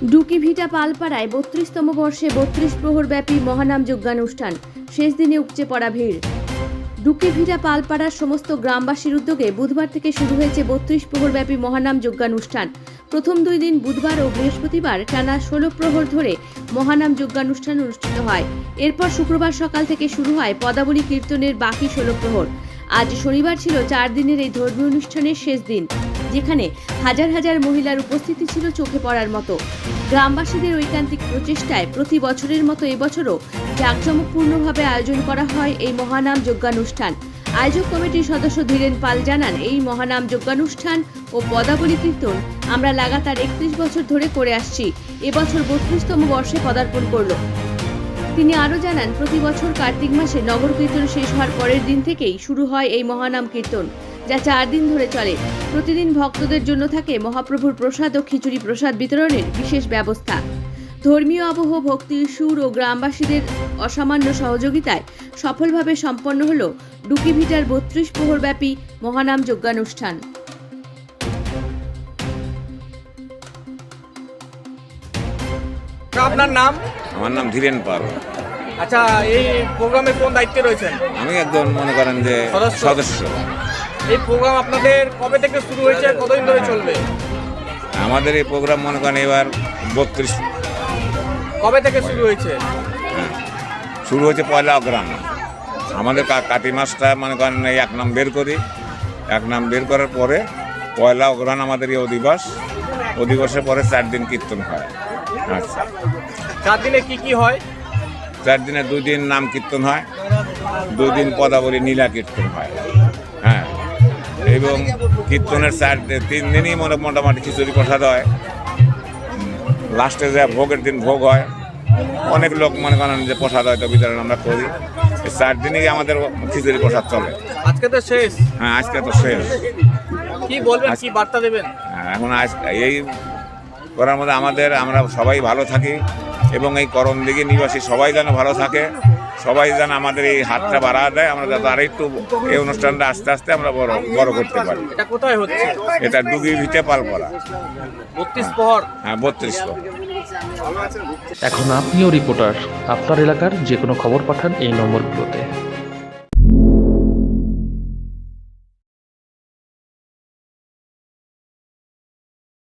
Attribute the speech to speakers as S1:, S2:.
S1: ডুকিভিটা পালপাড়ায় ৩২তম বর্ষে ৩২ প্রহরব্যাপী মহানাম যজ্ঞানুষ্ঠান। শেষ দিনে উপচে পড়া ভিড়। ডুকিভিটা পালপাড়ার সমস্ত গ্রামবাসীর উদ্যোগে বুধবার থেকে শুরু হয়েছে ৩২ প্রহরব্যাপী মহানাম যজ্ঞানুষ্ঠান। প্রথম 2 দিন বুধবার ও বৃহস্পতিবার টানা 16 প্রহর ধরে মহানাম যজ্ঞানুষ্ঠান অনুষ্ঠিত হয়। এরপর শুক্রবার সকাল থেকে শুরু হয় পদাবলী কীর্তনের বাকি 16 প্রহর। আজ শনিবার ছিল 4 দিনের এই ধর্মীয় অনুষ্ঠানের শেষ দিন, যেখানে হাজার হাজার মহিলার উপস্থিতি ছিল চোখে পড়ার মতো। গ্রামবাসীদের ঐকান্তিক প্রচেষ্টায় প্রতি বছরের মতো এবছরও জাঁকজমকপূর্ণভাবে আয়োজন করা হয় এই মহানাম যজ্ঞানুষ্ঠান। আয়োজক কমিটির সদস্য ধীরেন পাল জানান, এই মহানাম যজ্ঞানুষ্ঠান ও পদাবলী কীর্তন আমরা লাগাতার 31 বছর ধরে করে আসছি। এবছর 32তম বর্ষে পদার্পণ করল। তিনি আরও জানান, প্রতি বছর কার্তিক মাসে নগর কীর্তন শেষ হওয়ার পরের দিন থেকেই শুরু হয় এই মহানাম কীর্তন, যা 4 দিন ধরে চলে। প্রতিদিন ভক্তদের জন্য থাকে মহাপ্রভুর প্রসাদ ও খিচুড়ি প্রসাদ বিতরণের বিশেষ ব্যবস্থা। ধর্মীয় আবহ, ভক্তির সুর ও গ্রামবাসীদের অসামান্য সহযোগিতায় সফলভাবে সম্পন্ন হল ডুকিভিটার ৩২ প্রহরব্যাপী মহানাম যজ্ঞানুষ্ঠান।
S2: আপনার নাম?
S3: আমার নাম ধীরেন পাল।
S2: আচ্ছা, এই প্রোগ্রামে কোন দায়িত্বে রয়েছেন?
S3: আমি একজন মনে করেন যে সদস্য।
S2: এই প্রোগ্রাম আপনাদের কবে থেকে শুরু হয়েছে, কতদিন ধরে চলবে?
S3: আমাদের এই প্রোগ্রাম মনে করেন এবার 32।
S2: কবে থেকে শুরু হয়েছে?
S3: শুরু হয়েছে পয়লা অগ্রহায়ণ। আমাদের কাতি মাসটা মনে করেন এই 1 নাম বের করি। 1 নাম বের করার পরে পয়লা অগ্রহায়ণ আমাদের এই অধিবাসের পরে 4 দিন কীর্তন হয়। আচ্ছা,
S2: 4 দিনে কি কি হয়?
S3: 4 দিনে 2 দিন নাম কীর্তন হয়, 2 দিন পদাবলী নীলা কীর্তন হয়। হ্যাঁ, এবং কীর্তনের 3 দিনই মোটামুটি খিচুড়ি প্রসাদ হয়। লাস্টে যে ভোগের দিন ভোগ হয়, অনেক লোক মনে করেন যে প্রসাদ হয়তো বিতরণ আমরা করি। এই 4 দিনই আমাদের খিচুড়ি প্রসাদ চলে।
S2: আজকে তো শেষ।
S3: হ্যাঁ, আজকে তো শেষ।
S2: কি বলবেন, কি বার্তা দেবেন?
S3: এখন এই করার মধ্যে আমরা সবাই ভালো থাকি এবং এই করণদিঘি নিবাসী সবাই যেন ভালো থাকে, সবাই যেন আমাদের এই হাতটা বাড়া দেয়, আমরা যাতে আর একটু এই অনুষ্ঠানটা আস্তে আস্তে আমরা বড় করতে পারি।
S2: এটা কোথায় হচ্ছে?
S3: এটা ডুকিভিটা পালপাড়া।
S2: 32 প্রহর।
S3: হ্যাঁ, 32 প্রহর।
S4: এখন আপনিও রিপোর্টার, আপনার এলাকার যে কোনো খবর পাঠান এই নম্বরগুলোতে।